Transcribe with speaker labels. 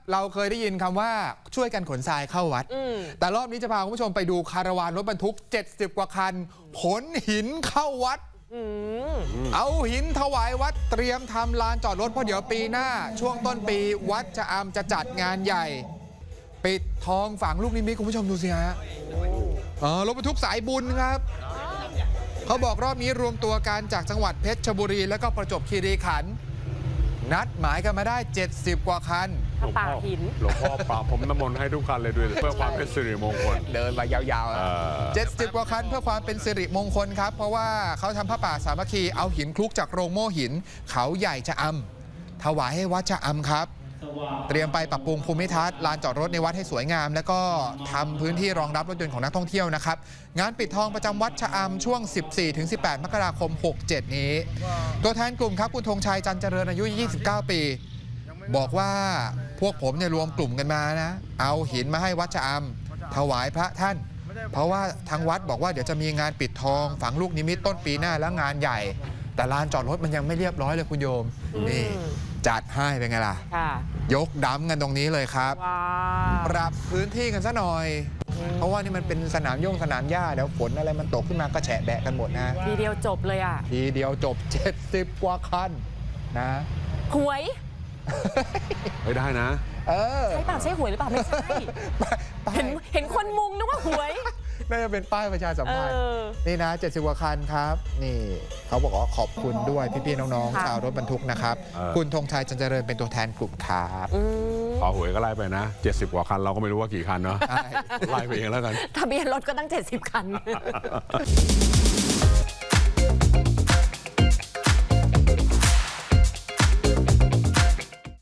Speaker 1: เราเคยได้ยินคำว่าช่วยกันขนทรายเข้าวัดแต่รอบนี้จะพาคุณผู้ชมไปดูคาราวานรถบรรทุก70 กว่าคันขนหินเข้าวัดเอาหินถวายวัดเตรียมทำลานจอดรถเพราะเดี๋ยวปีหน้าช่วงต้นปีวัดชะอำจะจัดงานใหญ่ปิดทองฝังลูกนิมิตคุณผู้ชมดูสิฮะรถบรรทุกสายบุญครับเขาบอกรอบนี้รวมตัวกันจากจังหวัดเพชรบุรีและก็ประจวบคีรีขันธ์นัดหมายกันมาได้70 กว่าคัน
Speaker 2: ป่าหิน
Speaker 3: หลวงพ่อป่าผมน้ำมนต์ให้ทุกคันเลยด้วยเพื่อความเป็นสิริมงคล
Speaker 1: เดินมายาวๆ70 กว่าคันเพื่อความเป็นสิริมงคลครับเพราะว่าเขาทำผ้าป่าสามัคคีเอาหินคลุกจากโรงโม่หินเขาใหญ่ชะอำถวายให้วัดชะอำครับเตรียมไปปรับปรุงภูมิทัศน์ลานจอดรถในวัดให้สวยงามแล้วก็ทำพื้นที่รองรับรถยนต์ของนักท่องเที่ยวนะครับงานปิดทองประจำวัดชะอำช่วง 14-18 มกราคม 67 นี้ตัวแทนกลุ่มครับคุณธงชัยจันเจริญอายุ 29 ปีบอกว่าพวกผมเนี่ยรวมกลุ่มกันมานะเอาหินมาให้วัดชะอำถวายพระท่านเพราะว่าทางวัดบอกว่าเดี๋ยวจะมีงานปิดทองฝังลูกนิมิตต้นปีหน้าแล้วงานใหญ่แต่ลานจอดรถมันยังไม่เรียบร้อยเลยคุณโยมนี่จัดให้เป็นไงล่ะยกดำกันตรงนี้เลยครับปรับพื้นที่กันซะหน่อยเพราะว่านี่มันเป็นสนามสนามหญ้าเดี๋ยวฝนอะไรมันตกขึ้นมาก็แฉะแบะกันหมดนะ
Speaker 2: ทีเดียวจบเลย
Speaker 1: ทีเดียวจบ70 กว่าคันนะ
Speaker 2: หวย
Speaker 3: ไม่ได้นะ
Speaker 2: ใช่เปล่าใช่หวยหรือเปล่าไม่ใช่เห็นคนมุงนึกว่าหวย
Speaker 1: น่าจะเป็นป้ายประชาสัมพันธ์นี่นะ70 กว่าคันครับนี่เขาบอกว่าขอบคุณด้วยพี่ๆน้องๆชาวรถบรรทุกนะครับคุณธงชัยจันเจริญเป็นตัวแทนกลุ่มครับ
Speaker 3: ขอหวยก็ไล่ไปนะ70 กว่าคันเราก็ไม่รู้ว่ากี่คันเนาะไล่ไปเองแล้วกัน
Speaker 2: ทะเบียนรถก็ตั้ง70 คัน